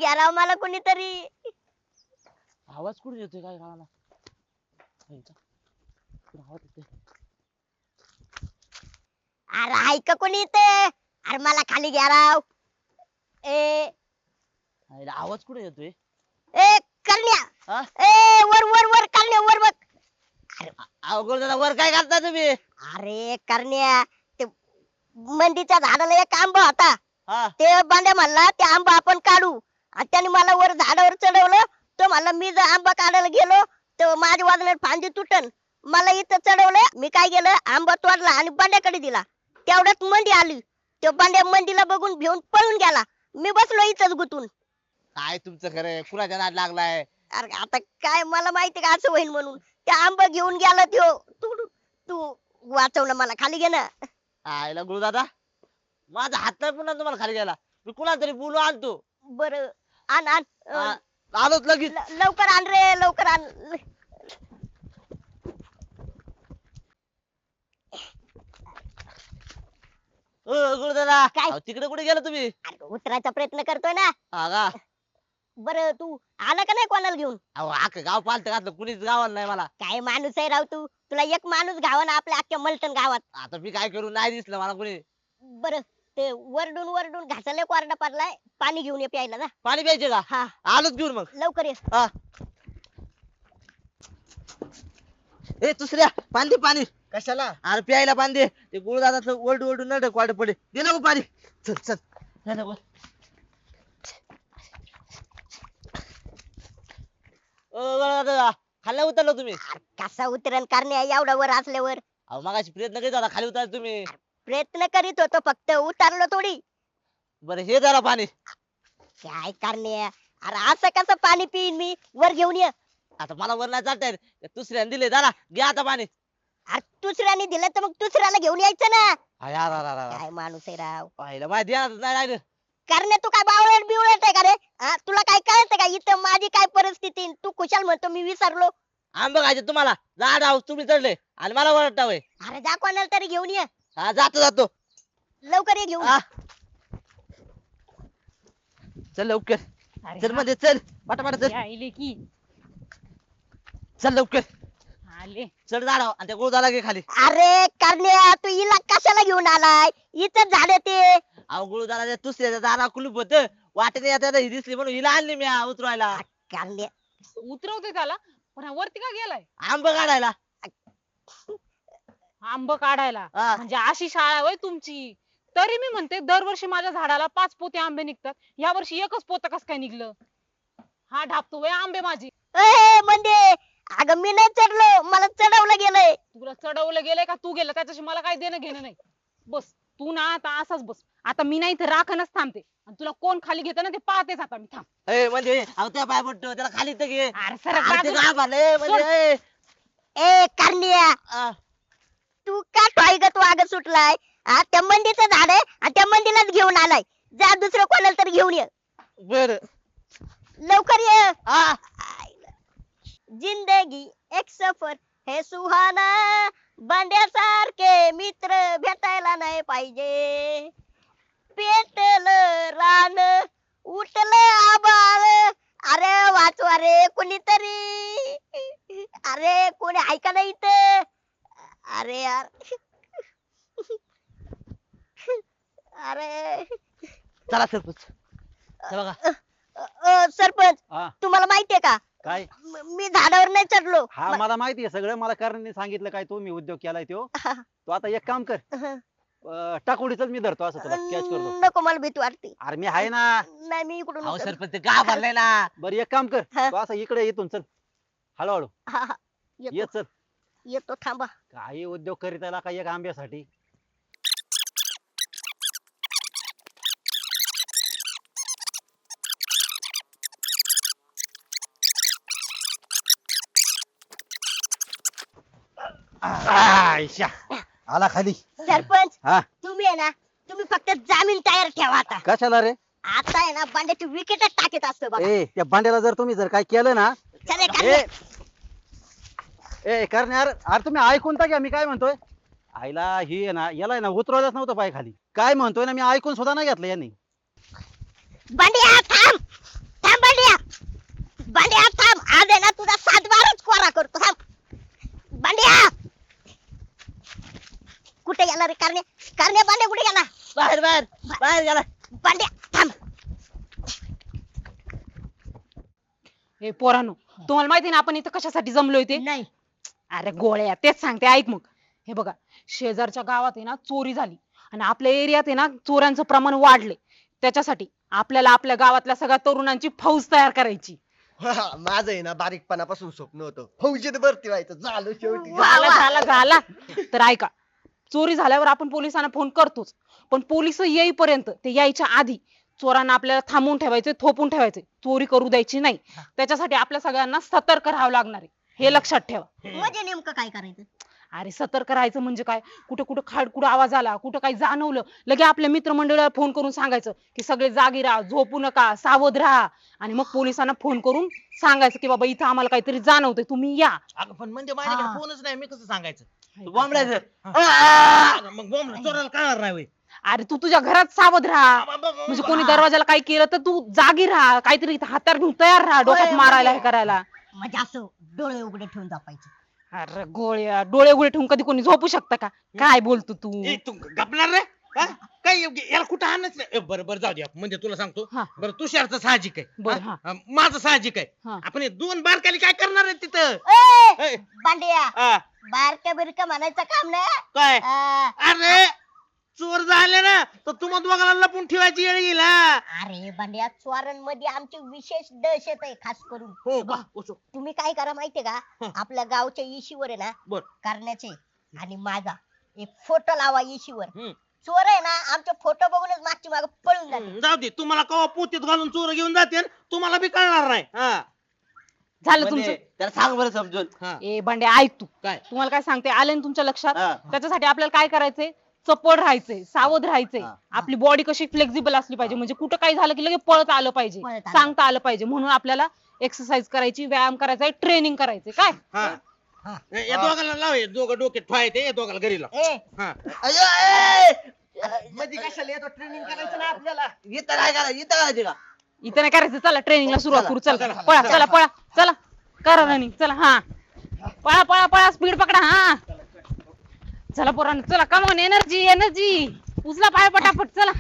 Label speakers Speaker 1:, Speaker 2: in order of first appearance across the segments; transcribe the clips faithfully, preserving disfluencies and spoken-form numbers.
Speaker 1: घ्या राव मला कोणीतरी.
Speaker 2: आवाज कुठे येतोय काय गावाला? आवाज येतोय.
Speaker 1: अरे ऐका कोणी इथे. अरे मला खाली घ्या राव. ए
Speaker 2: आवाज कुठे येतोय?
Speaker 1: ए करण्या.
Speaker 2: हा?
Speaker 1: ए वर वर वर करण्या वर बघ.
Speaker 2: अवघड दादा वर काय करता तुम्ही?
Speaker 1: अरे करण्या ते मंदीच्या झाडाला एक आंबा होता.
Speaker 2: हा
Speaker 1: ते बांड्या म्हणला ते आंबा आपण काढू आणि त्याने मला वर झाडावर चढवलं. तो म्हणला मी जर आंबा काढायला गेलो तर माझ्या वाजण्यात फांदी तुटन. मला इथं चढवलं. मी काय केलं आंबा तोडला आणि बांड्याकडे दिला. तेवढ्यात मंदी आली. तो बांड्या मंदीला बघून भिवून पळून गेला. मी बसलो इथंच गुतून.
Speaker 2: काय तुमचं खरं कुणाच्या नाद लागलाय?
Speaker 1: अरे आता काय मला माहिती का असं होईल म्हणून. त्या आंबा घेऊन गेला त्यो. तू तू वाचवलं मला खाली घे ना.
Speaker 2: आयला गुरु दादा माझा हात नाही पुन्हा तुम्हाला खाली गेला. मी कुणाला तरी बोलू आणतो.
Speaker 1: बर आण आण
Speaker 2: आ, आलोच लगेच.
Speaker 1: ल- लवकर आण रे लवकर आण.
Speaker 2: ओ गुरु दादा
Speaker 1: काय?
Speaker 2: अहो, तिकडे कुठे गेला तुम्ही?
Speaker 1: अरे उतरायचा प्रयत्न करतोय ना.
Speaker 2: हा का?
Speaker 1: बर तू आला का नाही कोणाला घेऊन?
Speaker 2: अहो अख्खं गाव पालत घातलं कुणीच गावाला नाही मला.
Speaker 1: काय माणूस आहे राव तू. तुला एक माणूस गावाना आपल्या अख्ख्या मलटण गावात.
Speaker 2: आता मी काय करू नाही दिसलं मला कुणी.
Speaker 1: बर ते वरडून वरडून घासाले कोरडा पडलाय. पाणी घेऊन ये प्यायला ना.
Speaker 2: पाणी प्यायचे का?
Speaker 1: हा
Speaker 2: आलोच घेऊन मग.
Speaker 1: लवकर ये.
Speaker 2: हा ए दुसऱ्या पाणी दे पाणी.
Speaker 3: कशाला?
Speaker 2: अरे प्यायला पाणी दे. ते गुरु दादाचं ओरडू ओरडू नडक वाट पडे. दे ना गो पाणी. चल चल दे ना गो. ओ गुरु दादा खाली उतरलो तुम्ही?
Speaker 1: अरे कसा उतरण करण्या एवढा वर असल्यावर.
Speaker 2: अहो मगाशी प्रयत्न करीत होता खाली उतरायला तुम्ही.
Speaker 1: प्रयत्न करीत होतो फक्त उतरलो थोडी.
Speaker 2: बरं हे जरा पाणी.
Speaker 1: काय करण्या. अरे असं कसं पाणी पिईन मी. वर घेऊन ये.
Speaker 2: आता मला वर नाही चालता येत. त्या दुसऱ्याने दिले जरा घे आता पाणी.
Speaker 1: अरे दुसऱ्याने दिलं तर मग दुसऱ्याला घेऊन यायचं ना.
Speaker 2: अरे अरे अरे अरे.
Speaker 1: काय माणूस आहे राव.
Speaker 2: पाहिलं माहिती आहे ना, नाही राहिलं.
Speaker 1: करण्या तू काय बावळट बिवळट आहे का रे. हा, तुला काय कळतं का इथं माझी काय परिस्थिती. तू खुशाल म्हणतो मी विसरलो.
Speaker 2: आंबे खायचे तुम्हाला जा राव तुम्ही चढले आणि मला वरटा होय.
Speaker 1: अरे जा कोणाला तरी घेऊन ये.
Speaker 2: हा जातो जातो.
Speaker 1: लवकर ये घेऊन.
Speaker 2: हा. चल लवकर.
Speaker 4: अरे
Speaker 2: चल
Speaker 4: हा,
Speaker 2: मध्ये चल पटापट चल.
Speaker 4: यायले की
Speaker 2: चल लवकर.
Speaker 4: आले.
Speaker 2: चढ झाडावर आणि त्या गुरुदाला घे खाली.
Speaker 1: अरे करण्या तू हिला कशाला घेऊन आलाय. इथं झाड ते.
Speaker 2: अहो गुरुदाला त्या दुसऱ्याच्या दारा कुलूप होत वाटेने येता ही दिसली म्हणून हिला आणली मी हा उतरवायला.
Speaker 1: करण्या
Speaker 4: उतरवते त्याला पण हा वरती का गेलाय?
Speaker 2: आंब काढायला.
Speaker 4: आंब काढायला
Speaker 2: हा.
Speaker 4: म्हणजे अशी शाळा होय तुमची. तरी मी म्हणते दरवर्षी माझ्या झाडाला पाच पोते आंबे निघतात. या वर्षी एकच पोत कस काय निघलं? हा ढापतो वय आंबे माझी.
Speaker 1: ए म्हणजे अगं मी नाही चढलो. मला चढवलं गेलंय.
Speaker 4: तुला चढवलं गेलंय का तू गेलं त्याच्याशी मला काही देणं घेणं नाही. बस तू ना आता असाच बस. आता मी नाही इथे राखणच थांबते आणि तुला कोण खाली घेत ना ते पाहतेच आता मी. थांब.
Speaker 2: ए म्हणजे अहो त्या पाय पडतो त्याला खाली तर घे.
Speaker 4: अरे सरक
Speaker 2: अहो, ते
Speaker 4: बाजूला.
Speaker 2: गाव भरलंय, म्हणजे
Speaker 1: ए करण्या
Speaker 2: आ,
Speaker 1: तू का टॉयगत वाग सुटलाय. हा त्या मंदीचं झाड आहे आणि त्या मंदीलाच घेऊन आलाय. जा दुसरं कोणाला तरी घेऊन ये.
Speaker 2: बर
Speaker 1: लवकर ये.
Speaker 2: हा.
Speaker 1: जिंदगी एक सफर है सुहाना. बांड्यासारखे मित्र भेटायला नाही पाहिजे. पेटलं रान उठलं आबाळ. अरे वाचवा रे कोणीतरी. अरे कोणी ऐका नाही इथं. अरे यार. अरे
Speaker 2: चला सरपंच हे बघा.
Speaker 1: अ, अ, सरपंच
Speaker 3: हा
Speaker 1: तुम्हाला माहितीये का
Speaker 3: काय?
Speaker 1: म- मी झाडावर नाही चढलो.
Speaker 3: हा मला माहिती आहे सगळं. मला करण्याने सांगितलं काय तो मी उद्योग केलाय तो. तो आता एक काम कर अं, टाकोडीच मी धरतो असं तुला कॅच करतो.
Speaker 1: नको मला भीती वाटते.
Speaker 3: अरे मी आहे ना.
Speaker 1: नाही मी इकडून
Speaker 2: अहो
Speaker 1: उतरलो.
Speaker 2: सरपंच ते गाव भरलंय ना.
Speaker 3: बरं एक काम कर
Speaker 1: हा.
Speaker 3: तू असं इकडे येतून चल हळूहळू
Speaker 1: हा, हा.
Speaker 3: ये
Speaker 1: येतो
Speaker 3: चल.
Speaker 1: येतो थांबा.
Speaker 3: काही उद्योग करीत आला काही एक आंब्यासाठी. आयशा आला खाली.
Speaker 1: सरपंच
Speaker 3: हा
Speaker 1: तुम्ही आहे ना तुम्ही फक्त जामीन तयार ठेवा आता.
Speaker 3: कशाला रे?
Speaker 1: आता आहे ना बांड्याची विकेटच टाकीत असतो बघा.
Speaker 3: ए त्या भांड्याला जर तुम्ही जर काय केलं ना.
Speaker 1: चले
Speaker 3: ए
Speaker 1: करण्या.
Speaker 3: ए करणार अरे तुम्ही ऐकून तर घ्या मी काय म्हणतोय. आईला ही आहे ना याला आहे ना उतरवलंच नव्हतं पाय खाली. काय म्हणतोय ना मी ऐकून सुद्धा नाही घेतलं यांनी.
Speaker 1: बांड्या थांब रे करण्या करण्या बांड्या कुठे गेला
Speaker 2: बाहेर बाहेर बाहेर गेला.
Speaker 1: बांड्या थांब
Speaker 4: हे पोरांनो तुम्हाला माहिती ना आपण इथं कशासाठी जमलोय ते
Speaker 1: नाही
Speaker 4: अरे गोळ्या तेच सांगते ऐक मग हे बघा शेजारच्या गावात आहे ना चोरी झाली आणि आपल्या एरियात आहे ना चोरांचं प्रमाण वाढले त्याच्यासाठी आपल्याला आपल्या गावातल्या सगळ्या तरुणांची फौज तयार करायची
Speaker 5: माझं आहे ना बारीकपणापासून स्वप्न होतं फौजीत भरती व्हायचं झालं शेवटी
Speaker 1: वा,
Speaker 4: झाला
Speaker 1: वा.
Speaker 4: झाला झाला तर ऐका चोरी झाल्यावर आपण पोलिसांना फोन करतोच पण पोलिस येईपर्यंत ते यायच्या आधी चोरांना आपल्याला थांबवून ठेवायचे थोपून ठेवायचे चोरी करू द्यायची नाही त्याच्यासाठी आपल्या सगळ्यांना सतर्क राहावं लागणार आहे हे लक्षात ठेवा
Speaker 1: म्हणजे नेमकं काय करायचं
Speaker 4: अरे सतर्क राहायचं म्हणजे काय कुठं कुठं खाडकुड आवाज आला कुठं काही जाणवलं लगे आपल्या मित्रमंडळाला फोन करून सांगायचं की सगळे जागी राहा झोपू नका सावध राहा आणि मग पोलिसांना फोन करून सांगायचं की बाबा इथं आम्हाला काहीतरी जाणवतंय तुम्ही या
Speaker 2: अगं पण म्हणजे
Speaker 1: हा.
Speaker 2: माझ्याकडे फोनच नाही मी कसं सांगायचं
Speaker 3: तू बोंबलायचं.
Speaker 2: अगं, मग बोंबला चोराला कळणार नाही होय.
Speaker 4: अरे तू तुझ्या घरात सावध राहा म्हणजे कोणी दरवाजाला काही केलं तर तू जागी राहा काहीतरी इथं हातार घेऊन तयार राहा डोक्यात
Speaker 1: होय,
Speaker 4: मारायला हे
Speaker 1: म्हणजे-
Speaker 4: करायला
Speaker 1: म्हणजे असं डोळे उघडे ठेवून जपायचं
Speaker 4: अरे गोळ्या डोळे उघडे ठेवून कधी कोणी झोपू शकतं का काय बोलतो तू
Speaker 2: ए, तू गपणार रे हा? काय याला कुठं आणच नाही ए, बरं बरं जाऊ दे आपण. म्हणजे तुला सांगतो
Speaker 4: हा.
Speaker 2: बरं तुषारचं साहजिक आहे
Speaker 4: बरं,
Speaker 2: हा? हा, माझं साहजिक आहे
Speaker 4: हा.
Speaker 2: आपण हे दोन बारकाली काय करणार आहे तिथं
Speaker 1: ए,
Speaker 2: ए,
Speaker 1: बांड्या
Speaker 2: हा,
Speaker 1: बारक्या बिरक्या म्हणायचं काम नाही
Speaker 2: काय
Speaker 1: आ,
Speaker 2: अरे चोर झाले ना तर तुम्हाला दोघांना लपून ठेवायची येळ येईल हा.
Speaker 1: अरे बांड्या चोरांमध्ये आमची विशेष दहशत आहे खास करून
Speaker 2: हो का ओसो.
Speaker 1: तुम्ही काय करा माहितीये का
Speaker 2: हं.
Speaker 1: आपल्या गावच्या इशीवर आहे ना
Speaker 2: बर
Speaker 1: करण्याचे आणि माझा एक फोटो लावा इशीवर
Speaker 2: हम्म.
Speaker 1: चोर आहे ना आमचे फोटो बघूनच मागची माग पळून जाते
Speaker 2: हम्म, जाऊ दे तुम्हाला कवा पोतीत घालून चोर घेऊन जाते तुम्हाला बी कळणार नाही हा
Speaker 4: झालं तुमचं
Speaker 6: त्याला सांग बरं समजून
Speaker 2: हा
Speaker 4: ए बंड्या ऐक तू
Speaker 2: काय
Speaker 4: तुम्हाला काय सांगते आलं ना तुमच्या लक्षात
Speaker 6: हा.
Speaker 4: त्याच्यासाठी आपल्याला काय करायचंय चपळ राहायचंय सावध राहायचंय
Speaker 6: हा.
Speaker 4: आपली बॉडी कशी फ्लेक्झिबल असली पाहिजे म्हणजे कुठं काही झालं की लगेच पळत आलं पाहिजे
Speaker 1: पळत आलं.
Speaker 4: सांगता आलं पाहिजे म्हणून आपल्याला एक्सरसाइज करायची व्यायाम करायचा ट्रेनिंग करायचे काय
Speaker 2: हा
Speaker 1: हा.
Speaker 2: ए, या दोघांना लाव हे दोघं डोक्यात ठेवायचे या दोघांना घरी लाव
Speaker 1: ए
Speaker 2: हा
Speaker 5: अयो, ए! मध्ये कशाला येतो ट्रेनिंग करायचं ना आपल्याला
Speaker 6: इथं काय करा इथं करायचे का
Speaker 4: इथं नाही करायचं चला ट्रेनिंगला सुरुवात
Speaker 6: चला,
Speaker 4: करू चला
Speaker 2: चला,
Speaker 4: पळा
Speaker 2: चला.
Speaker 4: चला पळा चला करा रनिंग चला हा पळा पळा पळा स्पीड पकडा हा चला पोरांनो चला कमॉन एनर्जी एनर्जी उचला पाय पटापट चला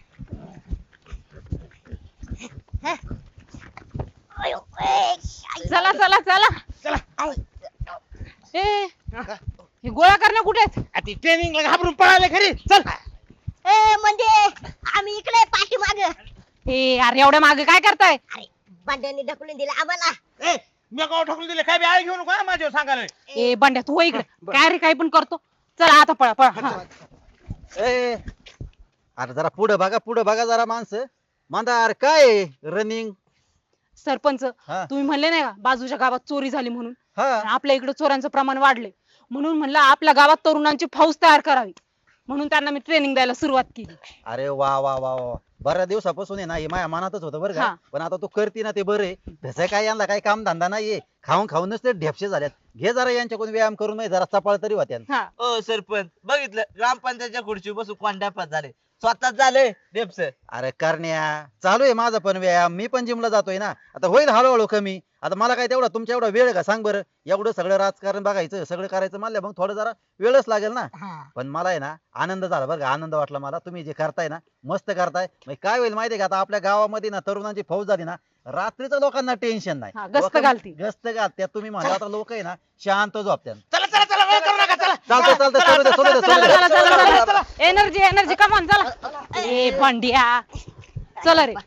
Speaker 1: अयो, ए, आई.
Speaker 4: चला चला चला
Speaker 1: आई.
Speaker 4: ए हे गोळा करणं कुठे आहेत?
Speaker 2: आ, ती ट्रेनिंगला घाबरून पळाले खरी चल
Speaker 1: ए म्हणजे आम्ही इकडे पाठीमाग
Speaker 4: ए अरे एवढ्या मागे काय करताय
Speaker 1: अरे बांड्याने ढकलून दिलं आम्हाला
Speaker 2: ए मी गाव ठोकून दिले काय बी आळ घेऊ नको हा माझ्यावर सांगायला
Speaker 4: ए बंड्या तू हो इकडे काय रे काय पण करतो चला आता पळा पळा हा.
Speaker 3: ए अरे जरा पुढे बघा पुढे बघा जरा माणसं मांदा अरे काय रनिंग
Speaker 4: सरपंच
Speaker 3: हा.
Speaker 4: तुम्ही म्हणले नाही का बाजूच्या गावात चोरी झाली म्हणून
Speaker 3: हा
Speaker 4: आपल्या इकडे चोरांचं प्रमाण वाढले म्हणून म्हणलं आपल्या गावात तरुणांची फौज तयार करावी म्हणून त्यांना मी ट्रेनिंग द्यायला सुरुवात केली
Speaker 3: अरे वा वा वा वा बऱ्याच दिवसापासून आहे ना हे माझ्या मनातच होतं बरं का
Speaker 4: हा.
Speaker 3: पण आता तू करती ना ते बरे तसं काय यांना काही काम धंदा नाहीये खाऊन खाऊनच ते ढेपशे झाल्यात घे जरा यांच्याकडून व्यायाम करून म्हणजे जरा चपाळ तरी होत्या
Speaker 4: हा
Speaker 6: ओ सरपंच बघितलं ग्रामपंचायतच्या खुर्ची बसून कोंड्यापात झाले स्वतःच झाले डेप्स
Speaker 3: अरे करण्या चालू आहे माझा पण व्यायाम मी पण जिमला जातोय ना आता होईल हळूहळू कमी आता मला काय तेवढा तुमच्या एवढा वेळ आहे का सांग बरं एवढं सगळं राजकारण बघायचं सगळं करायचं म्हणलं मग थोडं जरा वेळच लागेल ना
Speaker 1: हा
Speaker 3: पण मला आहे ना आनंद झाला बरं का आनंद वाटला मला तुम्ही जे करताय ना मस्त करताय मग काय होईल माहितीये का आता आपल्या गावामध्ये ना तरुणांची फौज झाली ना रात्रीचं लोकांना टेन्शन नाही
Speaker 4: हा, गस्त
Speaker 3: लोकां-
Speaker 4: घालती.
Speaker 3: गस्त घालत्यात तुम्ही म्हणता आता लोक आहे ना शांत झोपत्यात
Speaker 2: चला चला चला वेळ करू नका चला
Speaker 3: चालतंय चालतंय सोडू दे सोडू दे
Speaker 4: चला
Speaker 3: सोडू
Speaker 4: चला
Speaker 3: दे
Speaker 4: चला चला चला एनर्जी एनर्जी कमॉन चला ए बंड्या चला रे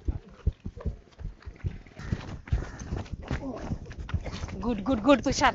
Speaker 4: गुड गुड गुड तुषार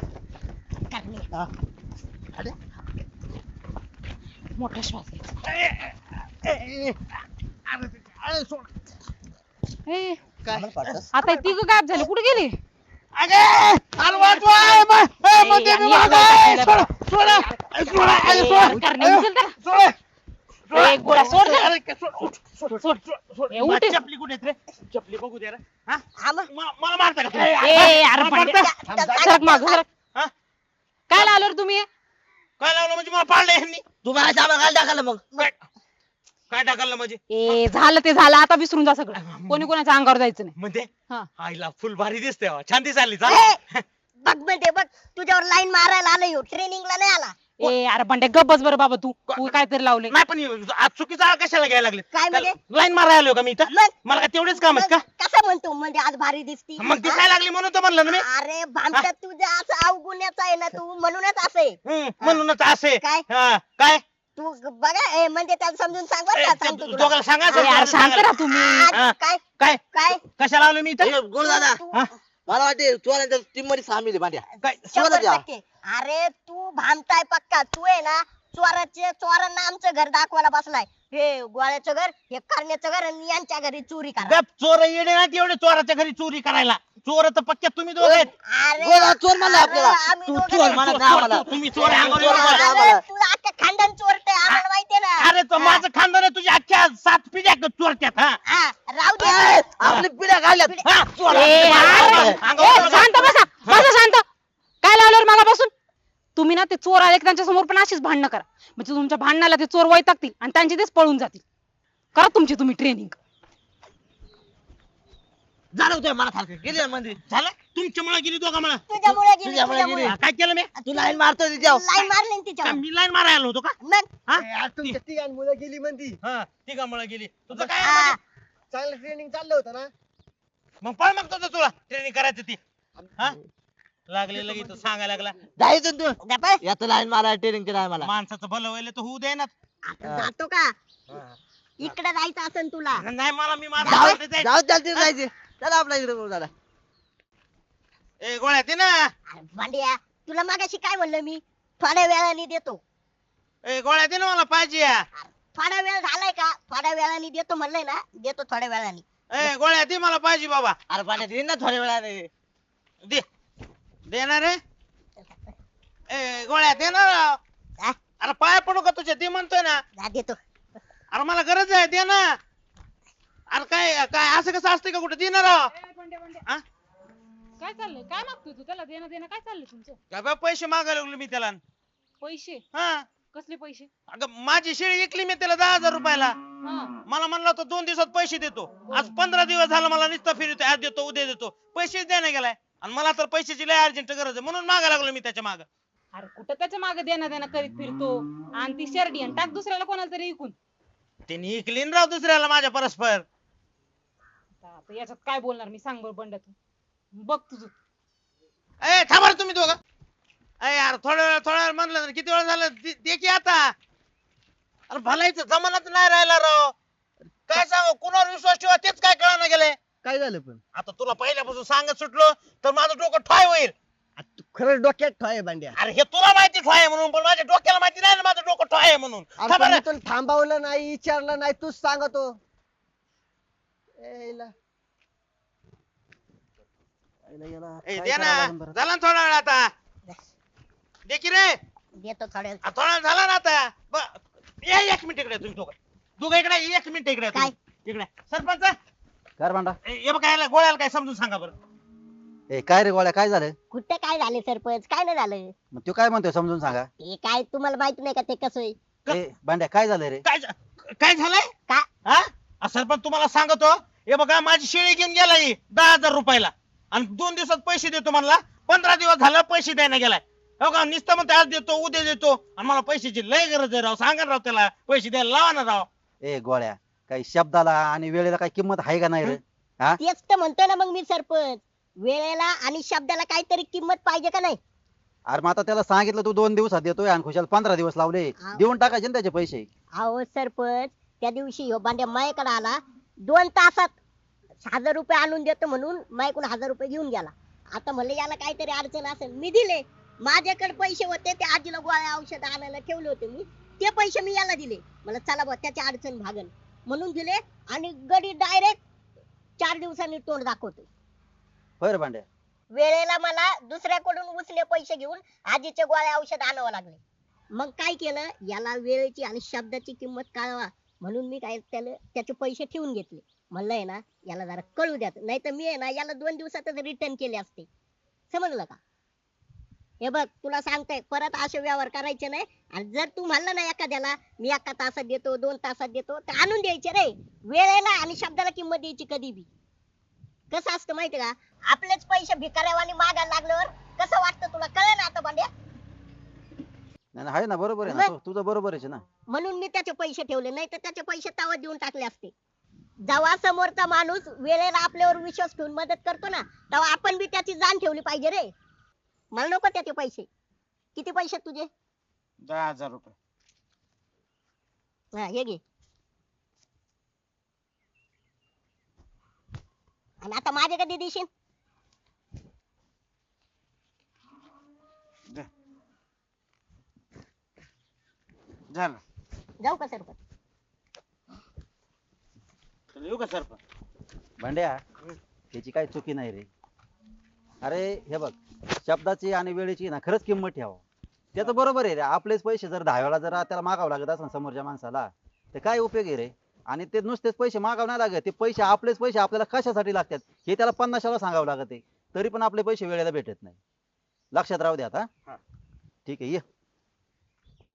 Speaker 4: मोठा श्वास घ्यायचा
Speaker 2: ए, ए, ए, अरे, अरे, सोड.
Speaker 4: ए, आता तिघ गायब झाले कुठे गेली
Speaker 2: अगे, अरे वाचवा, ए, मा- ए,
Speaker 4: ए,
Speaker 2: मध्ये
Speaker 4: यांनी
Speaker 2: मी मागं,
Speaker 4: आपल्याला
Speaker 2: ए, सोडा, सोडा, ए, सोडा, ए,
Speaker 4: ए,
Speaker 2: सोडा,
Speaker 4: उतारणे
Speaker 2: ए,
Speaker 4: उचल त्याला.
Speaker 2: सोडा, सोडा.
Speaker 4: ए, गोळा सोड त्याला.
Speaker 2: अरे, के- सोड, सोड, सोड,
Speaker 4: सोड.
Speaker 2: सोड, सोड.
Speaker 4: ए, उठ.
Speaker 2: चपली कुठे आहेत रे चपली बघू दे रे हा?
Speaker 1: आम्हा
Speaker 2: मला मला मारता का तुम्ही?
Speaker 4: ए अरे
Speaker 2: मला
Speaker 4: बंड्या
Speaker 2: मारता?
Speaker 4: सरक माग सरक
Speaker 2: हा?
Speaker 4: काय आलो रे तुम्ही
Speaker 2: काय लावलं म्हणजे मला पाडलं यांनी
Speaker 6: तू मला सामान घाल टाकलं मग
Speaker 2: काय काय टाकलं म्हणजे
Speaker 4: ए झालं ते झालं आता विसरून जा सगळं कोणी कोणाच्या अंगावर जायचं नाही
Speaker 2: म्हणजे
Speaker 4: हा
Speaker 2: आईला फुल भारी दिसते छान दिसायली
Speaker 1: ए,
Speaker 2: चला
Speaker 1: बघ म्हणजे बघ तुझ्यावर लाईन मारायला आलं ह्यो ट्रेनिंगला नाही आला
Speaker 4: ए अरे बंड्या गप बस बरं बाबा तू तू काहीतरी लावले
Speaker 7: नाही पण आज चुकीचा आळ कशाला घ्यायला लागले
Speaker 1: काय म्हणजे
Speaker 7: लाईन मारायला आलो का मी इथं
Speaker 1: मग
Speaker 7: मला काय तेवढेच काम आहेत का
Speaker 1: कसं म्हणतो म्हणजे आज भारी दिसती
Speaker 7: मग दिसायला लागली म्हणून तर म्हणलं ना मी
Speaker 1: अरे भामट्या तुझं असं अवगुण्याचं आहे ना तू म्हणूनच असे
Speaker 7: हम्म, म्हणूनच असे
Speaker 1: काय
Speaker 7: हा, काय
Speaker 1: तू बघा ए, म्हणजे त्याला समजून सांग बरं
Speaker 7: ए,
Speaker 1: का,
Speaker 7: ते
Speaker 1: सांगतो तुला.
Speaker 7: दोघांना सांगा
Speaker 4: अरे यार शांत राहा तुम्ही
Speaker 1: आज
Speaker 7: हा.
Speaker 1: काय
Speaker 7: काय
Speaker 1: काय
Speaker 7: कशाला आलो मी इथं
Speaker 2: गुळ दादा
Speaker 1: तू-
Speaker 7: हा?
Speaker 2: मला वाटते चोरांच्या टीम मध्ये सामील आहे भांड्या
Speaker 7: काय
Speaker 1: शंभर
Speaker 2: शोधत या.
Speaker 1: टक्के. अरे तू भामताय पक्का तू आहे ना चोराचे चोरांना आमचं घर दाखवायला बसलाय हे गोळ्याचं घर हे करण्याचं घर आणि यांच्या घरी चोरी करा
Speaker 7: गप चोर येणे नाही एवढे चोराच्या घरी चोरी करायला चोर तर पक्क्या तुम्ही दोघ आहेत
Speaker 1: अरे
Speaker 2: गोळा चोर म्हणला
Speaker 1: अरे,
Speaker 2: आपल्याला.
Speaker 1: आम्ही
Speaker 7: तू
Speaker 1: दोघं
Speaker 7: चोर
Speaker 1: नाही.
Speaker 2: म्हणा
Speaker 7: चोर,
Speaker 2: ना आम्हाला.
Speaker 7: चोर, तुम्ही चोर आहे, अंगावर
Speaker 2: चोर
Speaker 7: एवढं
Speaker 2: म्हणा.
Speaker 7: मारा.
Speaker 2: आम्हाला.
Speaker 1: अरे, तुला अख्खं खानदान चोरते आम्हाला माहितीये ना
Speaker 7: अरे तो माझं खानदान आहे तुझ्या अख्ख्या सात पिढ्या चोरत्यात हा
Speaker 1: हा, राहू दे
Speaker 2: ए, आपली पिढ्या काढल्यात
Speaker 7: हा, चोर.
Speaker 4: ए, अरे,
Speaker 7: अंगावर
Speaker 4: ए, शांत बसा बसा शांत काय लावलं मला बसून तुम्ही ना ते चोर आले की त्यांच्या समोर पण अशीच भांडणं करा म्हणजे तुमच्या भांडणाला ते चोर वैतागतील आणि त्यांचे तेच पळून जातील करा तुमची तुम्ही ट्रेनिंग
Speaker 2: झालं होतं मला सारखं गेली मंदिर
Speaker 7: झालं तुमच्यामुळे गेली दोघा मला
Speaker 1: तुझ्यामुळे गेली
Speaker 2: तुझ्यामुळे
Speaker 1: तुझ्यामुळे
Speaker 2: गेली.
Speaker 7: हा, काय केलं मी
Speaker 2: तू लाईन मारतोय तिच्यावर
Speaker 1: लाईन मारली ना
Speaker 7: काय
Speaker 1: तिच्यावर
Speaker 7: मी लाईन मारायला आलो होतो का
Speaker 1: मग
Speaker 7: हा
Speaker 5: तुमच्या तिघां मुलं गेली म्हणती
Speaker 7: हा तिघामुळे गेली तुझं काय
Speaker 1: हा,
Speaker 7: आहे?
Speaker 5: चांगलं ट्रेनिंग चाललं होतं ना
Speaker 7: मग पळ मग तुझं तुला ट्रेनिंग करायचं ती हा लागले लगेच तो सांगायला लागला
Speaker 2: जायचं तू
Speaker 1: गप्प.
Speaker 2: याचं लाईन मारा ट्रेनिंगची नाही मला
Speaker 7: माणसाचं भलं व्हायला तर होऊ दे ना
Speaker 1: आता जातो का इकडे जायचं असेल तुला
Speaker 7: नाही मला मी माझं
Speaker 2: जाऊ
Speaker 7: आवडतं जायचं.
Speaker 2: जाऊ चालते जायचे चला आपल्या इकडे बोल दादा
Speaker 7: ए गोळ्या ते ना
Speaker 1: अरे भांड्या तुला मागाशी काय म्हणलं मी थोड्या वेळाने देतो
Speaker 7: ए गोळ्या ते ना मला पाहिजे या.
Speaker 1: थोडा वेळ झालाय का थोड्या वेळाने देतो म्हणलंय ना देतो थोड्या वेळाने
Speaker 7: ए गोळ्या ते मला पाहिजे बाबा
Speaker 2: अरे पाण्यात येईन ना थोड्या वेळाने
Speaker 7: दे देणार रे ए गोळ्या दे ना
Speaker 1: हा,
Speaker 7: अरे पाय पडू का तुझ्या ते म्हणतोय ना
Speaker 1: जा देतो
Speaker 7: अरे मला गरज आहे दे ना अरे काय काय असं कसं असतं का कुठे देणार हा?
Speaker 4: काय चाललंय काय मागतोय तू त्याला देणं देणं काय चाललंय तुमचं
Speaker 7: काय बा पैसे मागायला लागलो मी त्याला
Speaker 4: पैसे
Speaker 7: हा
Speaker 4: कसले पैसे
Speaker 7: अगं माझी शेळी विकली मी त्याला दहा हजार रुपयाला
Speaker 4: हा
Speaker 7: मला म्हणला होता दोन दिवसात पैसे देतो आज पंधरा दिवस झाला मला नुसतं फिरतोय आज देतो उद्या देतो पैसेच द्यायला गेलाय आणि मला तर पैशाची लय अर्जंट गरज आहे म्हणून मागायला लागलो मी त्याच्या माग
Speaker 4: अरे कुठं त्याच्या मागे देणं देणं करीत फिरतो आणि ती शर्डी आणि टाक दुसऱ्याला कोणाला तरी विकून
Speaker 7: त्यांनी विकली न राव दुसऱ्याला माझ्या परस्पर
Speaker 4: आता याच्यात काय बोलणार मी सांग बरं बंड्या तू बघ तुझं
Speaker 7: ए थांबा रे तुम्ही दोघं ए यार थोड्या वेळ थोड्या वेळ म्हणलं ना, किती वेळ झालं दे दे की आता अरे भलायचं जमानाच नाही राहिला राव काय सांगू कुणावर विश्वास ठेवा तेच काय कळायला गेलंय
Speaker 5: काय झालं पण
Speaker 7: आता तुला पहिल्यापासून सांगत सुटलो तर माझं डोकं ठॉय होईल
Speaker 5: आ, तू खरं डोक्यात ठोय भांड्या
Speaker 7: अरे हे तुला माहिती ठॉय आहे म्हणून पण माझ्या डोक्याला माहिती नाही ना माझं डोकं ठॉय आहे म्हणून
Speaker 5: अरे
Speaker 7: थांबा
Speaker 5: पण
Speaker 7: रे.
Speaker 5: मी तुला थांबवलं नाही विचारलं नाही तूच सांगतो ए, इला. इला, इला,
Speaker 7: ए,
Speaker 5: काय
Speaker 7: दे ना
Speaker 5: करावं लागेल बरं?
Speaker 7: झाला ना थोडा वेळ आता दे की रे
Speaker 1: देतो थोड्या वेळ
Speaker 7: आ, थोडा वेळ झाला ना आता ब- ये एक मिनिट इकडे तुम्ही दोघं दोघं इकडे ये, एक मिनिट इकडे
Speaker 1: काय?
Speaker 7: तुम्ही. इकडे सरपंच
Speaker 3: कर भांडा
Speaker 7: ए, हे बघ याला गोळ्याला काय समजून सांगा बरं
Speaker 3: ए काय रे गोळ्या काय झालं
Speaker 1: कुठे काय झाले सरपंच काय नाही झालं
Speaker 3: मग तू काय म्हणतोय समजून सांगा
Speaker 1: ते काय तुम्हाला माहित नाही का ते कसं आहे
Speaker 7: क-
Speaker 3: ए भांड्या काय झालं रे
Speaker 7: काय झा- काय झालंय
Speaker 1: का
Speaker 7: हा आ, सरपंच तुम्हाला सांगतो हे बघा माझी शेळी घेऊन गेला ही दहा हजार रुपयाला आणि दोन दिवसात पैसे देतो म्हणला पंधरा दिवस झालं पैसे द्यायला गेलाय हो का नुसतं म्हणते आज देतो उद्या देतो आणि मला पैशाची लय गरज आहे राव सांगा ना राव त्याला पैसे द्यायला लावा ना राव
Speaker 3: ए गोळ्या काही शब्दाला आणि वेळेला काही किंमत आहे का नाही रे हा
Speaker 1: तेच तर म्हणतोय ना मग मी सरपंच वेळेला आणि शब्दाला काहीतरी किंमत पाहिजे का नाही
Speaker 3: अरे मग आता त्याला सांगितलं तू दोन दिवसात देतोय आणि खुशाल पंधरा दिवस लावले
Speaker 1: हा.
Speaker 3: देऊन टाकायचे ना त्याचे पैसे
Speaker 1: अहो सरपंच त्या दिवशी ह्यो बांड्या माझ्याकडे आला दोन तासात हजार रुपये आणून देतो म्हणून माझ्याकडून हजार रुपये घेऊन गेला आता म्हणलं याला काहीतरी अडचण असेल मी दिले माझ्याकडे पैसे होते ते आजीला गोळ्या औषध आणायला ठेवले होते मी ते पैसे मी याला दिले मला चला बा त्याची अडचण भागन म्हणून दिले आणि गडी डायरेक्ट चार दिवसांनी तोंड दाखवतो
Speaker 3: होय रे भांड्या
Speaker 1: वेळेला मला दुसऱ्याकडून उचले पैसे घेऊन आजीचे गोळ्या औषध आणावं लागले मग काय केलं याला वेळेची आणि शब्दाची किंमत कळवा म्हणून मी काय त्याला त्याचे पैसे ठेवून घेतले म्हणलंय ना याला जरा कळू द्यात नाही तर मी आहे ना याला दोन दिवसातच रिटर्न केले असते समजलं का हे बघ तुला सांगतोय परत असे व्यवहार करायचे नाही आणि जर तू म्हणलं ना एखाद्याला मी एका तासात देतो दोन तासात देतो तर आणून द्यायचे रे वेळेला आणि शब्दाला किंमत द्यायची कधी बी कसं असतं माहिती का आपलेच पैसे भिकाऱ्यावानी मागायला लागल्यावर कसं वाटतं तुला कळलं ना आता भांड्या
Speaker 3: नाही, नाही, आहे ना बरोबर आहे ना
Speaker 1: मग?
Speaker 3: तू- तुझं बरोबर आहे ना.
Speaker 1: म्हणून मी त्याचे पैसे ठेवले, नाही तर त्याचे पैसे तावा देऊन टाकले असते. जेव्हा समोरचा माणूस वेळेला आपल्यावर विश्वास ठेवून मदत करतो ना, तेव्हा आपण बी त्याची जाण ठेवली पाहिजे रे. मला नको त्याचे पैसे. किती पैसे आहेत तुझे?
Speaker 7: दहा हजार रुपये.
Speaker 1: हा हे घे. आणि आता माझे कधी देशील?
Speaker 7: दे. झालं.
Speaker 1: जाऊ का सरपंच?
Speaker 7: चल येऊ का सरपंच?
Speaker 3: भांड्या त्याची काही चुकी नाही रे. अरे हे बघ, शब्दाची आणि वेळेची ना खरंच किंमत ठेवा. त्याचं बरोबर आहे रे, आपलेच पैसे जर दहा वेळा जर त्याला मागावं लागत असं समोरच्या माणसाला तर काय उपयोग आहे रे. आणि ते नुसतेच पैसे मागावं नाही लागत, ते पैसे आपलेच पैसे आपल्याला कशासाठी लागतात हे त्याला पन्नास वेळा सांगावं लागत आहे, तरी पण आपले पैसे वेळेला भेटत नाही. लक्षात राहू द्या आता.
Speaker 7: हा.
Speaker 3: ठीक आहे ये.